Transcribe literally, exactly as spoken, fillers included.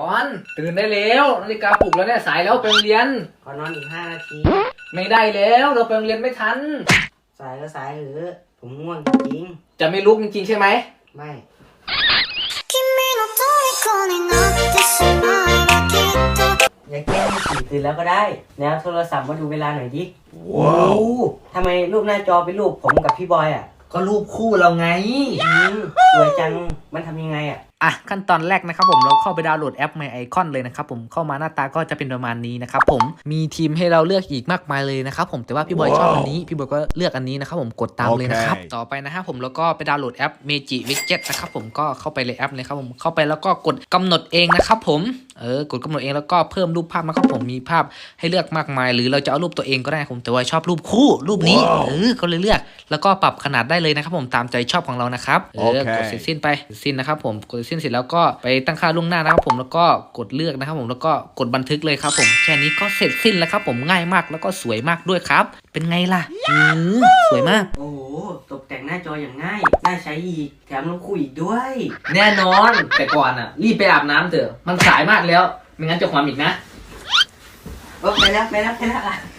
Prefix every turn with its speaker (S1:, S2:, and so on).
S1: อนตื่นได้แล้วนาฬิกาปลุกแล้วเนี่ยสายแล้วไปโรงเรียน
S2: ขอนอนอีกห้านาที
S1: ไม่ได้แล้วเราไปโรงเรียนไม่ทัน
S2: สายก็สายเหอะผมง่วงจริง
S1: จะไม่ลุกจริงๆใช่ไหม
S2: ไม่อย่าแกล้งสี่ตื่นแล้วก็ได้แล้วโทรศัพท์มาดูเวลาหน่อยดิว้าวทำไมรูปหน้าจอเป็นรูปผมกับพี่บอยอ่ะ
S1: ก็รูปคู่เราไง
S2: สวยจังมันทำยังไงอ่ะ
S1: อ่ะขั้นตอนแรกนะครับผมเราเข้าไปดาวน์โหลดแอป My Icon เลยนะครับผมเข้ามาหน้าตาก็จะเป็นประมาณนี้นะครับผมมีทีมให้เราเลือกอีกมากมายเลยนะครับผมแต่ว่าพี่บอยชอบอันนี้พี่บอยก็เลือกอันนี้นะครับผมกดตามเลยนะครับต่อไปนะครับผมแล้วก็ไปดาวน์โหลดแอป Magic Widget นะครับผมก็เข้าไปเลยแอปเลยครับผมเข้าไปแล้วก็กดกำหนดเองนะครับผมเออกดกำหนดเองแล้วก็เพิ่มรูปภาพนะครับผมมีภาพให้เลือกมากมายหรือเราจะเอารูปตัวเองก็ได้ผมแต่ว่าชอบรูปคู่รูปนี้เออก็เลยเลือกแล้วก็ปรับขนาดได้เลยนะครับผมตามใจชอบของเรานะครับเออกดเสร็จสิ้นไปสิ้นนะครับผมกดสิ้นเสร็จแล้วก็ไปตั้งค่าล่วงหน้านะครับผมแล้วก็กดเลือกนะครับผมแล้วก็กดบันทึกเลยครับผมแค่นี้ก็เสร็จสิ้นแล้วครับผมง่ายมากแล้วก็สวยมากด้วยครับเป็นไงล่ะอือสวยมาก
S2: โอ้โหตกแต่งหน้าจออย่างง่ายน่าใช้อีกแถมลงคู่อีกด้วย
S1: แน่นอนแต่ก่อนอ่ะรีบไปอาบน้ำเถอะมันสายมากแล้วไม่งั้นจะความอีกนะ
S2: โอ้ไปแล้วไปแล้วไปแล้ว